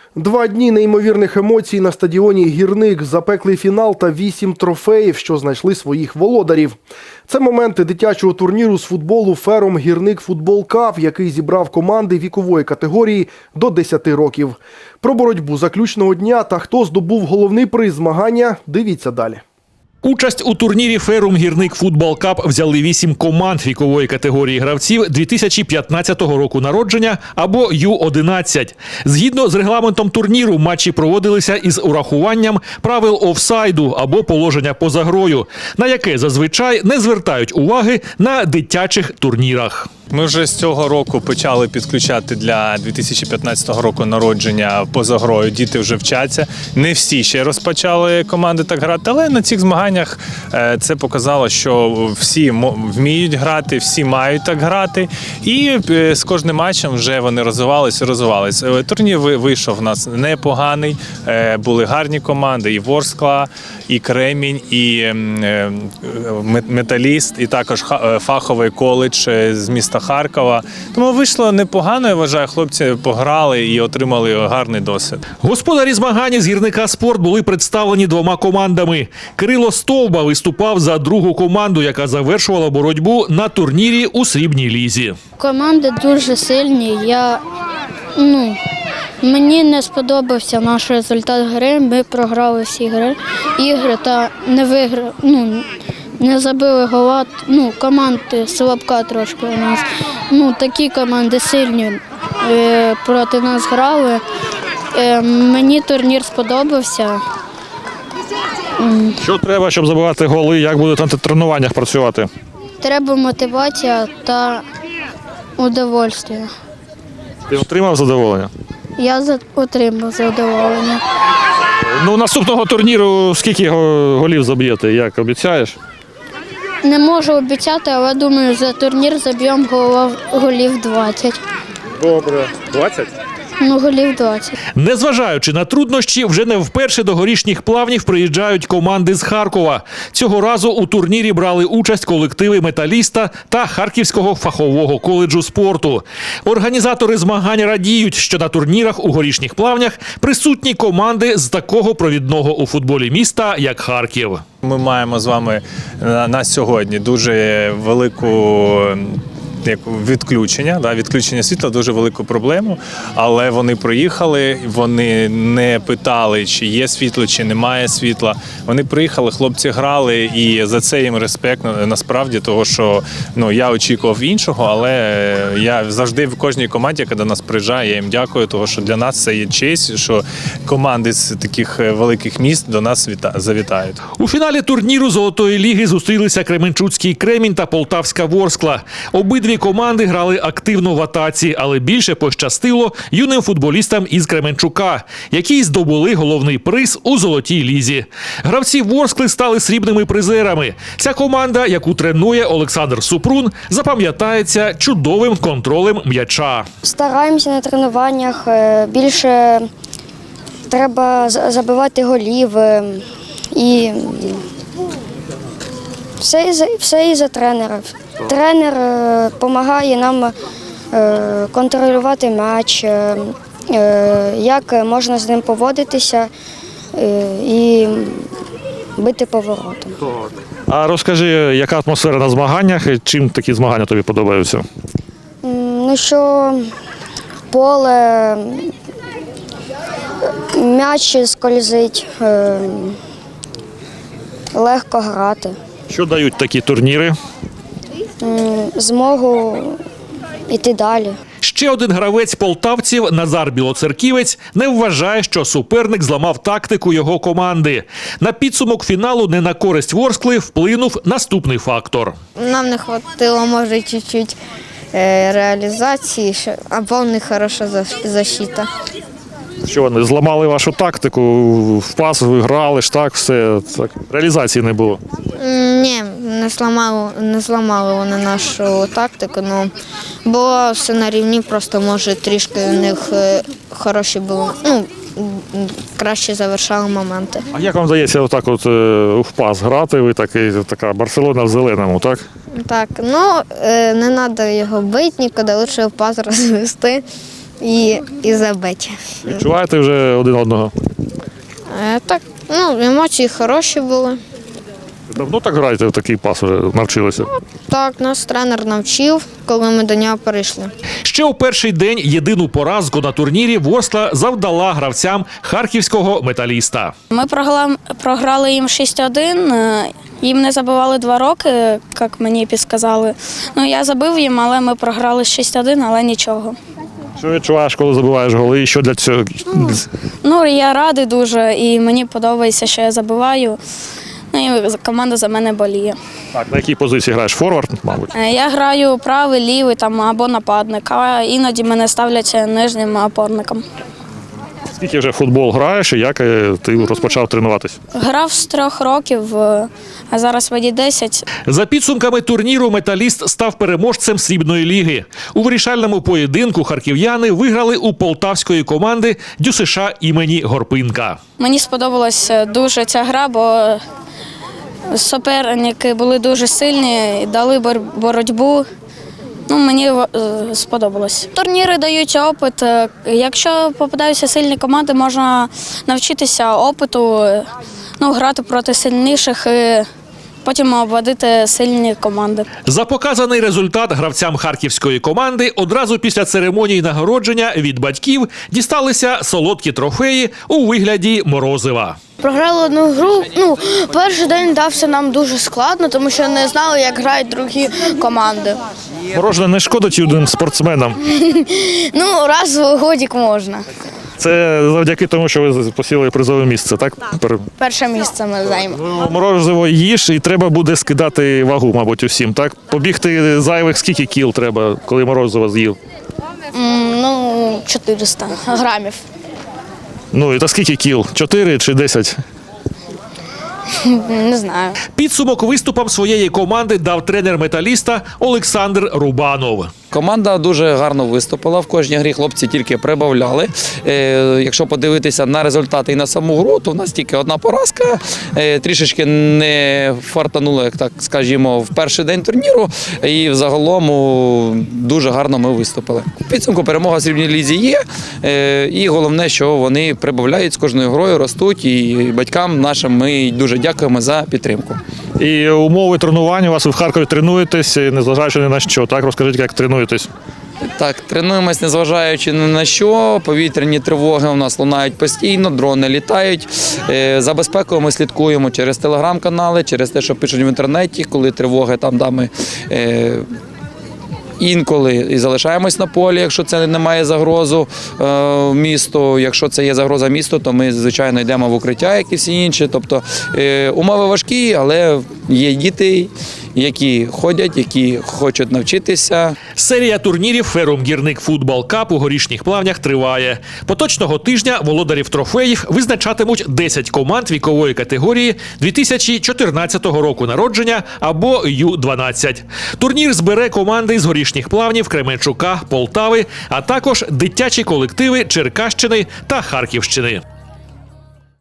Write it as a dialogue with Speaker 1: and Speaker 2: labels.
Speaker 1: 2 дні неймовірних емоцій на стадіоні «Гірник», запеклий фінал та 8 трофеїв, що знайшли своїх володарів. Це моменти дитячого турніру з футболу «Ферум Гірник Футбол Кап», який зібрав команди вікової категорії до 10 років. Про боротьбу заключного дня та хто здобув головний приз змагання – дивіться далі.
Speaker 2: Участь у турнірі «Ферум Гірник Футбол Кап» взяли 8 команд вікової категорії гравців 2015 року народження або Ю-11. Згідно з регламентом турніру, матчі проводилися із урахуванням правил офсайду або положення поза грою, на яке зазвичай не звертають уваги на дитячих турнірах.
Speaker 3: Ми вже з цього року почали підключати для 2015 року народження поза грою. Діти вже вчаться. Не всі ще розпочали команди так грати, але на цих змаганнях це показало, що всі вміють грати, всі мають так грати. І з кожним матчем вже вони розвивалися. Турнір вийшов у нас непоганий. Були гарні команди, і Ворскла, і Кремінь, і Металіст, і також фаховий коледж з міста Харкова. Тому вийшло непогано, я вважаю, хлопці пограли і отримали гарний досвід.
Speaker 2: Господарі змагань з «Гірника Спорт» були представлені 2 командами. Кирило Стовба виступав за другу команду, яка завершувала боротьбу на турнірі у срібній лізі.
Speaker 4: Команди дуже сильні. Мені не сподобався наш результат гри. Ми програли всі ігри та не виграли. Не забили гола, команди слабка трошки у нас. Такі команди сильні проти нас грали. Мені турнір сподобався.
Speaker 2: Що треба, щоб забивати голи? Як будете на тренуваннях працювати?
Speaker 4: Треба мотивація та удовольствие.
Speaker 2: Ти отримав задоволення?
Speaker 4: Я отримав задоволення.
Speaker 2: Наступного турніру скільки голів заб'єте? Як обіцяєш?
Speaker 4: Не можу обіцяти, але думаю, за турнір заб'ємо голів 20.
Speaker 2: Добре. 20?
Speaker 4: Голів 20.
Speaker 2: Незважаючи на труднощі, вже не вперше до Горішніх Плавнів приїжджають команди з Харкова. Цього разу у турнірі брали участь колективи «Металіста» та Харківського фахового коледжу спорту. Організатори змагань радіють, що на турнірах у Горішніх Плавнях присутні команди з такого провідного у футболі міста, як Харків.
Speaker 3: Ми маємо з вами на сьогодні дуже велику відключення світла, дуже велику проблему, але вони приїхали, вони не питали, чи є світло, чи немає світла. Вони приїхали, хлопці грали, і за це їм респект насправді, того, що я очікував іншого, але я завжди в кожній команді, яка до нас приїжджає, я їм дякую, того, що для нас це є честь, що команди з таких великих міст до нас завітають.
Speaker 2: У фіналі турніру Золотої ліги зустрілися Кременчуцький Кремінь та Полтавська Ворскла. Обидві команди грали активно в атаці, але більше пощастило юним футболістам із Кременчука, які здобули головний приз у Золотій лізі. Гравці Ворскли стали срібними призерами. Ця команда, яку тренує Олександр Супрун, запам'ятається чудовим контролем м'яча.
Speaker 5: Стараємося на тренуваннях, більше треба забивати голів і все із-за тренера. Тренер допомагає нам контролювати м'яч, як можна з ним поводитися і бити поворотом.
Speaker 2: А розкажи, яка атмосфера на змаганнях і чим такі змагання тобі подобаються?
Speaker 5: Що поле, м'яч скользить, легко грати.
Speaker 2: Що дають такі турніри?
Speaker 5: Змогу йти далі.
Speaker 2: Ще один гравець полтавців Назар Білоцерківець не вважає, що суперник зламав тактику його команди. На підсумок фіналу не на користь Ворскли вплинув наступний фактор.
Speaker 6: Нам не вистачило, може, чуть-чуть реалізації, або не хороша защита.
Speaker 2: Що вони зламали вашу тактику, в пас ви грали ж так, все так. Реалізації не було.
Speaker 6: Ні, не зламали вони нашу тактику, було все на рівні, просто може трішки у них хороші було, краще завершали моменти.
Speaker 2: А як вам здається отак в пас грати, ви така Барселона в зеленому, так?
Speaker 6: Так, не треба його бити нікуди, лише в пас розвести. і забиті.
Speaker 2: Відчуваєте вже один одного?
Speaker 6: Так, емоції хороші були.
Speaker 2: Давно так граєте в такий пас вже навчилися?
Speaker 6: Так, нас тренер навчив, коли ми до нього перейшли.
Speaker 2: Ще у перший день єдину поразку на турнірі Ворскла завдала гравцям харківського металіста.
Speaker 4: Ми програли їм 6-1. Їм не забивали 2 роки, як мені підказали. Я забив їм, але ми програли 6-1, але нічого.
Speaker 2: Що відчуваєш, коли забиваєш голи? І що для цього?
Speaker 4: Я радий дуже і мені подобається, що я забиваю. І команда за мене боліє.
Speaker 2: Так, на якій позиції граєш? Форвард, мабуть?
Speaker 4: Я граю правий, лівий або нападник, а іноді мене ставлять нижнім опорником.
Speaker 2: Скільки вже в футбол граєш і як ти розпочав тренуватись?
Speaker 4: Грав з 3 років, а зараз мені 10.
Speaker 2: За підсумками турніру металіст став переможцем срібної ліги. У вирішальному поєдинку харків'яни виграли у полтавської команди ДЮСШ імені Горпинка.
Speaker 4: Мені сподобалась дуже ця гра, бо суперники були дуже сильні, дали боротьбу. Мені сподобалось. Турніри дають опит. Якщо попадаються сильні команди, можна навчитися опиту, грати проти сильніших і потім обводити сильні команди.
Speaker 2: За показаний результат гравцям харківської команди одразу після церемонії нагородження від батьків дісталися солодкі трофеї у вигляді морозива.
Speaker 7: Програли одну гру. Перший день дався нам дуже складно, тому що не знали, як грають другі команди.
Speaker 2: Морожене не шкодить юним спортсменам?
Speaker 7: Раз в годік можна.
Speaker 2: Це завдяки тому, що ви посіли призове місце, так?
Speaker 7: Перше місце ми займемо.
Speaker 2: Морозиво їж і треба буде скидати вагу, мабуть, усім, так? Побігти зайвих скільки кіл треба, коли морозиво з'їв?
Speaker 7: 400 грамів.
Speaker 2: І та скільки кіл? 4 чи 10?
Speaker 7: Не знаю.
Speaker 2: Підсумок виступам своєї команди дав тренер металіста Олександр Рубанов.
Speaker 8: Команда дуже гарно виступила. В кожній грі хлопці тільки прибавляли. Якщо подивитися на результати і на саму гру, то в нас тільки одна поразка. Трішечки не фартануло, як так скажімо, в перший день турніру. І взагалом дуже гарно ми виступили. В підсумку перемога в срібній лізі є. І головне, що вони прибавляють з кожною грою, ростуть. І батькам нашим ми дуже дякуємо за підтримку.
Speaker 2: І умови тренування у вас ви в Харкові тренуєтесь, незважаючи ні на що, так? Розкажіть, як тренуєтесь?
Speaker 8: Так, тренуємось, незважаючи ні на що. Повітряні тривоги у нас лунають постійно, дрони літають. За безпекою ми слідкуємо через телеграм-канали, через те, що пишуть в інтернеті, коли тривоги ми інколи і залишаємось на полі, якщо це не має загрозу місту. Якщо це є загроза місту, то ми, звичайно, йдемо в укриття, як і всі інші. Тобто умови важкі, але є діти, які ходять, які хочуть навчитися.
Speaker 2: Серія турнірів «Ферум Гірник Футбол Кап» у Горішніх Плавнях триває. Поточного тижня володарів трофеїв визначатимуть 10 команд вікової категорії 2014 року народження або Ю-12. Турнір збере команди з Горішніх Плавнів, Кременчука, Полтави, а також дитячі колективи Черкащини та Харківщини.